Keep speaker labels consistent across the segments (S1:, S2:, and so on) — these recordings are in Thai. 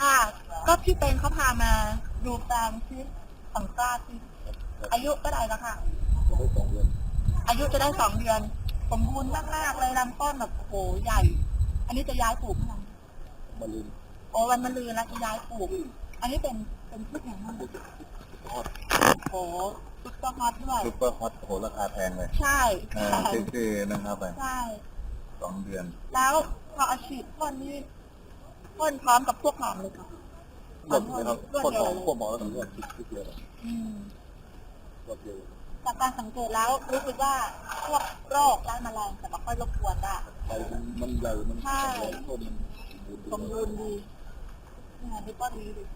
S1: ค่ะ ก็พี่เป็นเขาพามาดูแปลงที่ของกล้าที่อายุก็ได้แล้วค่ะ
S2: จะได้2 เดือน
S1: อายุจะได้2 เดือน สมบูรณ์มากๆเลยลำต้นแบบโอ้โหใหญ่ อันนี้จะย้ายปลูกเมื่อไหร่
S2: มะรืน
S1: โอ้วันมะรืนแล้วจะย้ายปลูก อันนี้เป็นพืชอย่างนั้น
S2: ฮอต
S1: โอ้ซุปเปอร์ฮอตด้วย
S2: ซุปเปอร์ฮอตโหราคาแพงเลย
S1: ใช่ใช่
S2: คือนะครับไป
S1: ใช่
S2: 2 เดือน
S1: แล้วพออาชีพพ่นนี่พ่นพร้อมกับพวกหอมเลยค่ะ
S2: หมดไหมครับพ่นหอมพวกหมอแล้วถึงเรื่องคิดเยอะ
S1: อืม
S2: หมดเยอะ
S1: จากการสังเกตแล้วรู้สึกว่าพวกโรคและแมลงจะไม่ค่อยรบกวนได้
S2: ใบมันใหญ่มันแข็งแรงต้นมัน
S1: สมบูรณ์ดีนี่ไงพี่ต้นดีดิ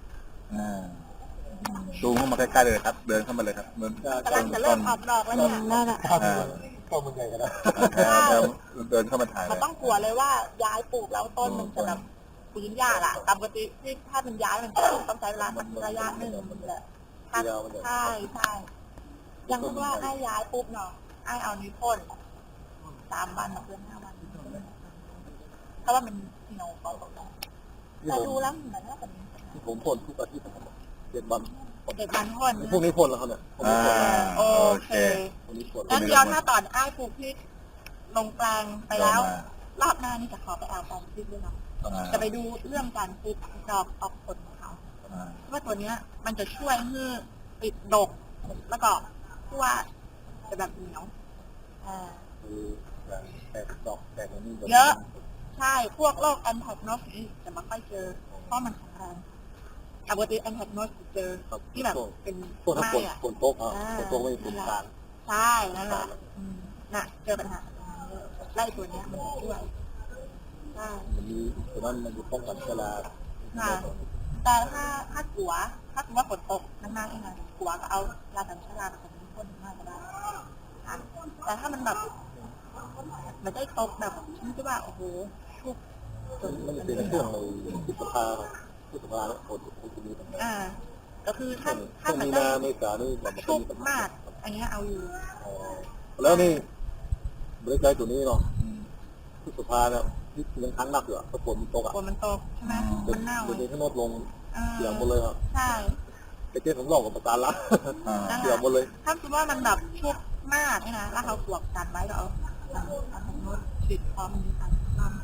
S2: ซูมเข้ามาใกล้ๆเลยครับ เดินเข้ามาเลยครับเหมือน
S1: กำลังจะเริ่มออกดอกแล้วเนี่ยนั่นแหละ
S2: ต้นมันใหญ่กันแล้วเดินเข้ามาถ่าย
S1: มันต้องกลัวเลยว่าย้ายปลูกแล้วต้นมันจะแบบฟื้นยากอะตามปกติที่ถ้ามันย้ายมันจะต้องใช้เวลาสักระยะหนึ่งแหละใช่ใช่ยังคิดว่าไอ้ย้ายปุ๊บเนาะไอ้เอานิ้วพ่น3 วันเพื่อน5 วันเพราะว่ามันเหนียวเบาๆแต่ดูแล้วเหมือนว่าเป็น
S2: ผมพ่นทุกอาทิตย์นะครับ7 วัน
S1: เด็กมันพ่น
S2: พวกนี้พ่นแล้วเขาเนี่ย
S1: โอเค
S2: พวกนี้พ่น
S1: งั้นเดี๋ยวถ้าตอนไอ้ปลูกพริกลงแปลงไปแล้ว รอบหน้านี่จะขอไปเอาแปลงพริกด้วยเนาะจะไปดูเรื่องการปลูกดอกออกผลของเขาว่าตัวเนี้ยมันจะช่วยให้ติดดกแล้วก็ที่ว่าจะแบบเหนียว
S2: คือแตกดอกแตกนี่
S1: เยอะใช่พวกโรคแอนแทกโนสนี่จะไม่ค่อยเจอเพราะมันแข็งแรงปกติแอนแทกโนสเจอที่แบบเป็น
S2: พวกถ้าฝนตกฝนตกไม่ฝนกลาง
S1: ใช่นั่นแหละน่ะเจอปัญหาไล่ตัวเนี้ยมันช่วยใช่
S2: มันมีตัวนั้นมันอยู่ป้องกันเชื้อรา
S1: แต่ถ้ากลัวถ้าสมมติว่าฝนตกนานๆเองนะกลัวก็เอายากันเชื้อราผสมพ่นมากก็ได้แต่ถ้ามันแบบมันได้ตกแบบฉันคิดว่าโอ้โหชุบ
S2: มันจะเป็นเรื่องเลยที่สภาแล้วฝนจะมีปัญหา
S1: ก็คือถ้า
S2: มี
S1: มัน
S2: นา
S1: ได้
S2: เมษานี่มัน
S1: ชุบมากอันนี้เอาอยู่
S2: แล้วนี่บริการตัวนี้เนาะที่สภาเนี่ยที่ยังค้างหนักอยู่ถ้าฝนมันตก
S1: ฝนมันตกใช่ไหมมันเน่า
S2: ตัวนี้ทั้งหมดลงเสียงหมดเลยครับ
S1: ใช่
S2: ไปเจ๊ผมหลอกกับประจานละเสียงหมดเลย
S1: ถ้าคิดว่ามันแบบชุบมากนี่นะแล้วเขาขวบกันไว้ก็เอาทางโน้ตฉีดพร้อมนี้ค่ะ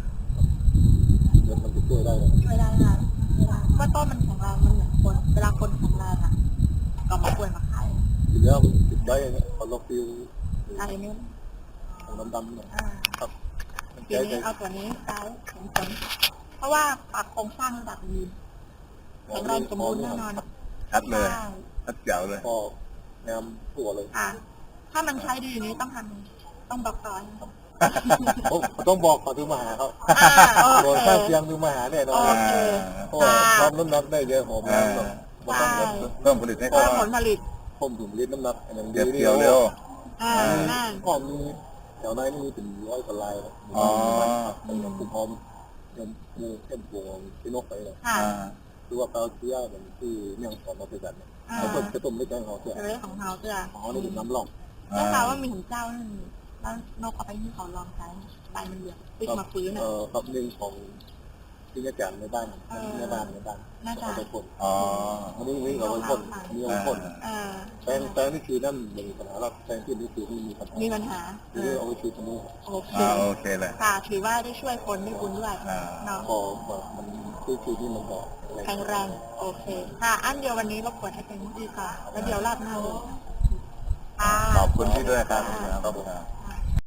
S2: มันจะช่วยได้เลย
S1: ช่วยได้ค่ะว่าต้นมันแข็งแรงมันเหมือนคนเวลาคนแข็งแรงอ่ะก็มาป่วยมาไข้
S2: ทีแล้วมันติดได้เนี่ยพอเราฟิว
S1: อะไรนี่
S2: ของดำๆเนี่ยครับ
S1: ทีนี้เอาตัวนี้ใช้ผลเพราะว่าปรับโครงสร้างระดับดีแข็งแรงสมบูรณ์แน่นอน
S2: ชัดเลยชัดเจ๋วเลยพอแนมตัวเลย
S1: ถ้ามันใช้ดีอย่างนี้ต้องทำต้องบอกต่อ
S2: ต้องบอกก่อนถึงมาหาเขาโดนข้างเคียงถึงมาหาแน่นอนเพราะพร้อมน้ำหนักได้เยอะหอมน้ำเพิ่มผลิตให้เขา
S1: เพิ่มผลผลิต
S2: เพิ่มถุงลิตรน้ำหนักอย่างเก็บเกี่ยวเร็ว
S1: ก็
S2: มีแถวในนี่มีเป็น100 กว่าลายเป็นกลุ่มพร้อมมูเข้มพวงที่นกไปเลยคือว่าเขาเชื่อเหมือนที่เมี่ยงคอนมาเป็นแบบนี้เขาต้มจะต้มไม่ใช่เขาเชื่อ
S1: ของเขาเชื่อ
S2: เขานี่เป็นน้ำหลอก
S1: ได้ข่าวว่ามีของเจ้านั่นแล้วนกเอาไปที่เขาลองใช้ใบมันเหลืองติดมาฟื้น
S2: ครับหนึ่งของที่อาจารย์ในบ้านในบ้านเอาไปพ่นอันนี้เอาไปพ่นมีเอาไปพ่นแปลงนี่คือนั่นมีปัญหาแล้วแปลงที่นี่คือมีปัญหาคือเอาไปฉีดตรงนี้โอเคเลย
S1: ค่ะถือว่าได้ช่วยคนได้บุญด้วยเนาะ
S2: พอมันคือที่มันบอก
S1: แข็งแรงโอเคค่ะอันเดียววันนี้รบกวนให้เป็นดีค่ะแล้วเดี๋ยวรอบหน้าเลย
S2: ขอบคุณที่ด้วยครับ